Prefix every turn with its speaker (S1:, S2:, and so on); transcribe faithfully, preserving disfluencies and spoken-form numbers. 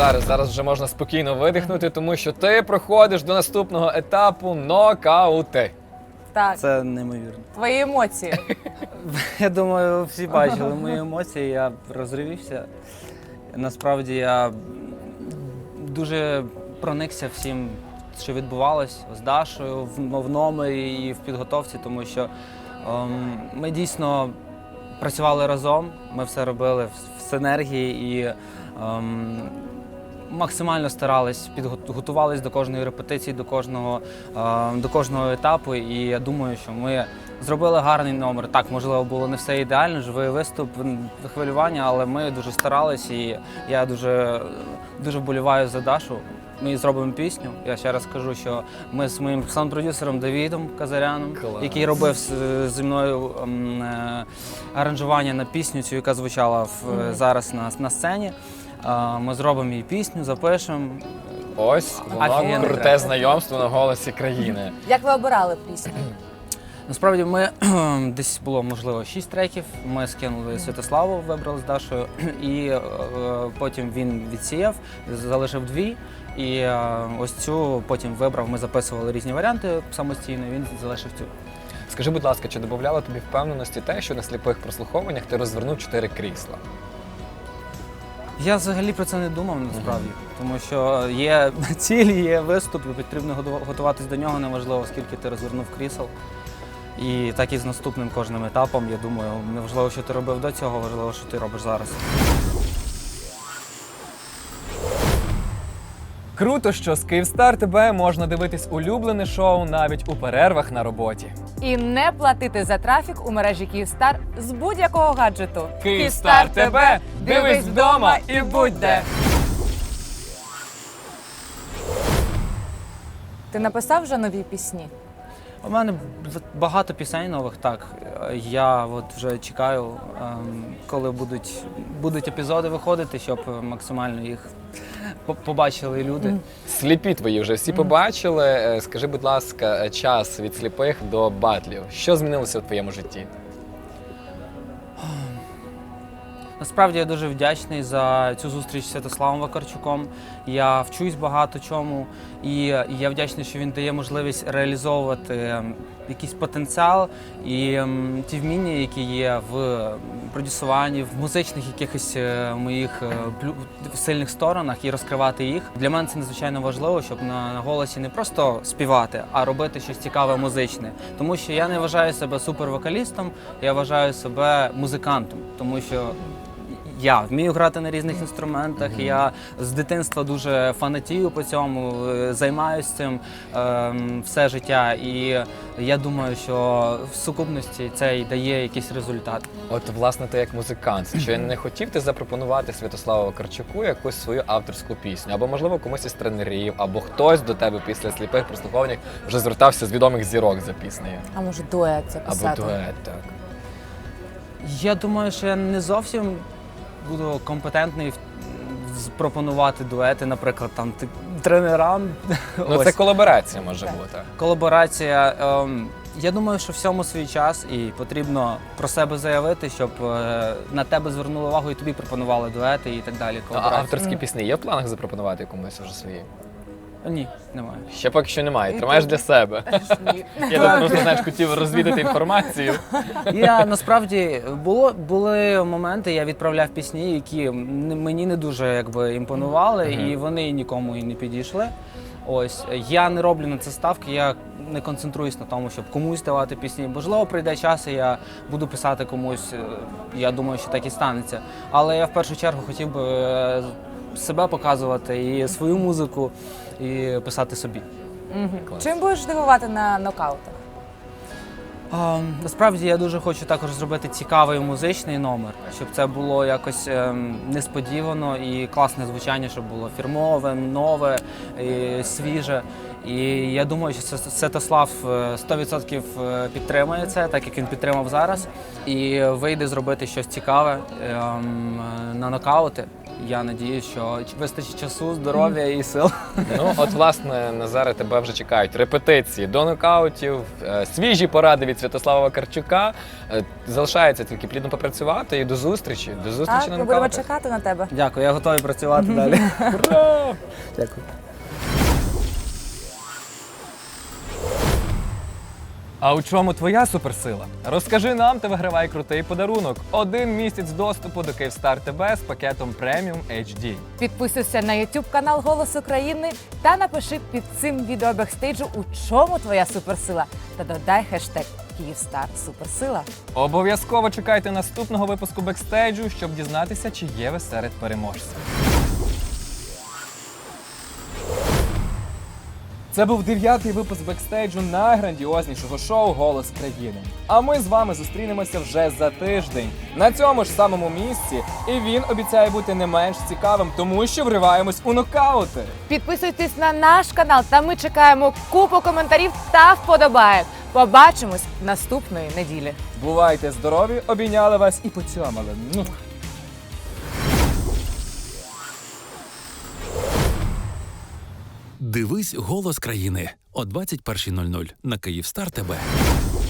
S1: зараз, зараз вже можна спокійно видихнути, тому що ти проходиш до наступного етапу нокаути.
S2: Так,
S3: Це неймовірно.
S2: твої емоції.
S3: Я думаю, всі бачили мої емоції, я розривівся. Насправді я дуже проникся всім, що відбувалось з Дашою в в номері і в підготовці, тому що ем, ми дійсно працювали разом, ми все робили в, в синергії і ем, максимально старались, підготувались до кожної репетиції, до кожного, ем, до кожного етапу. І я думаю, що ми зробили гарний номер. Так, можливо, було не все ідеально, живий виступ, хвилювання, але ми дуже старались і я дуже, дуже вболіваю за Дашу. Ми зробимо пісню. Я ще раз кажу, що ми з моїм саунд-продюсером Давідом Казаряном,
S1: Клас.
S3: який робив з- зі мною ем, е, аранжування на пісню, цю, яка звучала в, е, зараз на, на сцені. Е, Ми зробимо її пісню, запишемо.
S1: Ось воно
S3: Офігенно.
S1: круте знайомство на голосі країни.
S2: Як ви обирали пісню?
S3: Насправді ми десь було, можливо, шість треків. Ми скинули Святославу, вибрали з Дашою, і е, потім він відсіяв, залишив дві. І е, ось цю потім вибрав, ми записували різні варіанти самостійно, він залишив цю.
S1: Скажи, будь ласка, чи додавало тобі впевненості те, що на сліпих прослуховуваннях ти розвернув чотири крісла?
S3: Я взагалі про це не думав насправді, тому що є ціль, є виступ, і потрібно готу- готуватись до нього, неважливо, скільки ти розвернув крісел. І так і з наступним кожним етапом, я думаю, неважливо, що ти робив до цього, важливо, що ти робиш зараз.
S4: Круто, що з Київстар ТБ можна дивитись улюблене шоу навіть у перервах на роботі.
S2: І не платити за трафік у мережі Київстар з будь-якого гаджету.
S4: Київстар ТБ! Дивись вдома і будь де!
S2: Ти написав вже нові пісні?
S3: У мене багато пісень нових, так. Я от вже чекаю, ем, коли будуть, будуть епізоди виходити, щоб максимально їх по- побачили люди.
S1: Сліпі твої вже всі побачили. Е, Скажи, будь ласка, час від сліпих до батлів. Що змінилося у твоєму житті?
S3: Насправді я дуже вдячний за цю зустріч з Святославом Вакарчуком. Я вчусь багато чому, і я вдячний, що він дає можливість реалізовувати ем, якийсь потенціал і ем, ті вміння, які є в продюсуванні, в музичних якихось е, моїх е, плю- сильних сторонах і розкривати їх. Для мене це надзвичайно важливо, щоб на, на голосі не просто співати, а робити щось цікаве музичне. Тому що я не вважаю себе супервокалістом, я вважаю себе музикантом, тому що я вмію грати на різних інструментах, mm-hmm. я з дитинства дуже фанатію по цьому, займаюся цим е, все життя. І я думаю, що в сукупності це й дає якийсь результат.
S1: От, власне, ти як музикант, чи не хотів ти запропонувати Святославу Вакарчуку якусь свою авторську пісню? Або, можливо, комусь із тренерів, або хтось до тебе після сліпих прослуховувань вже звертався з відомих зірок за піснею?
S2: А може дует записати?
S1: Або дует, так.
S3: Я думаю, що я не зовсім буду компетентний в- з- пропонувати дуети, наприклад, там ти- тренерам.
S1: Ну,
S3: Ось.
S1: це колаборація може бути.
S3: Колаборація. Ем, я думаю, що всьому свій час і потрібно про себе заявити, щоб е, на тебе звернули увагу і тобі пропонували дуети і так далі.
S1: А
S3: колаборації.
S1: авторські пісні є в планах запропонувати комусь вже свої?
S3: Ні, немає.
S1: Ще поки що немає, тримаєш для себе. Я тут просто, знаєш, хотів розвідати інформацію.
S3: Я насправді було були моменти, я відправляв пісні, які м- мені не дуже якби імпонували,
S1: Мгм.
S3: і вони нікому і не підійшли. Ось я не роблю на це ставки, я не концентруюсь на тому, щоб комусь давати пісні. Можливо, прийде час, і я буду писати комусь. е, Я думаю, що так і станеться. Але я в першу чергу хотів би е, себе показувати і свою музику, і писати собі.
S2: Мгм.
S1: Клас.
S2: Чим будеш дивувати на нокаутах?
S3: А, насправді я дуже хочу також зробити цікавий музичний номер, щоб це було якось ем, несподівано і класне звучання, щоб було фірмове, нове, і свіже. І я думаю, що Свя- Святослав е, сто відсотків е, підтримує це, так як він підтримав зараз, і вийде зробити щось цікаве ем, е, на нокаути. Я надіюсь, що вистачить часу, здоров'я і сил.
S1: Ну, от, власне, Назаре, тебе вже чекають репетиції до нокаутів, е, свіжі поради від Святослава Вакарчука. Е, Залишається тільки плідно попрацювати і до зустрічі. До зустрічі
S2: Так,
S1: на
S2: ми будемо
S1: нокаутах.
S2: чекати на тебе.
S3: Дякую, я готовий працювати далі.
S1: Ура!
S3: Дякую.
S4: А у чому твоя суперсила? Розкажи нам та вигравай крутий подарунок. Один місяць доступу до Київстар ТБ з пакетом преміум ейч ді.
S2: Підписуйся на YouTube канал Голос України та напиши під цим відео бекстейджу, у чому твоя суперсила. Та додай хештег Київстар Суперсила.
S4: Обов'язково чекайте наступного випуску бекстейджу, щоб дізнатися, чи є ви серед переможців. Це був дев'ятий випуск бекстейджу найграндіознішого шоу «Голос країни». А ми з вами зустрінемося вже за тиждень на цьому ж самому місці. І він обіцяє бути не менш цікавим, тому що вриваємось у нокаути.
S2: Підписуйтесь на наш канал, та ми чекаємо купу коментарів та вподобаєк. Побачимось наступної неділі.
S4: Бувайте здорові, обійняли вас і поцьомали. Ну.
S5: Дивись «Голос країни» о двадцять першій нуль нуль на Київстар ТБ.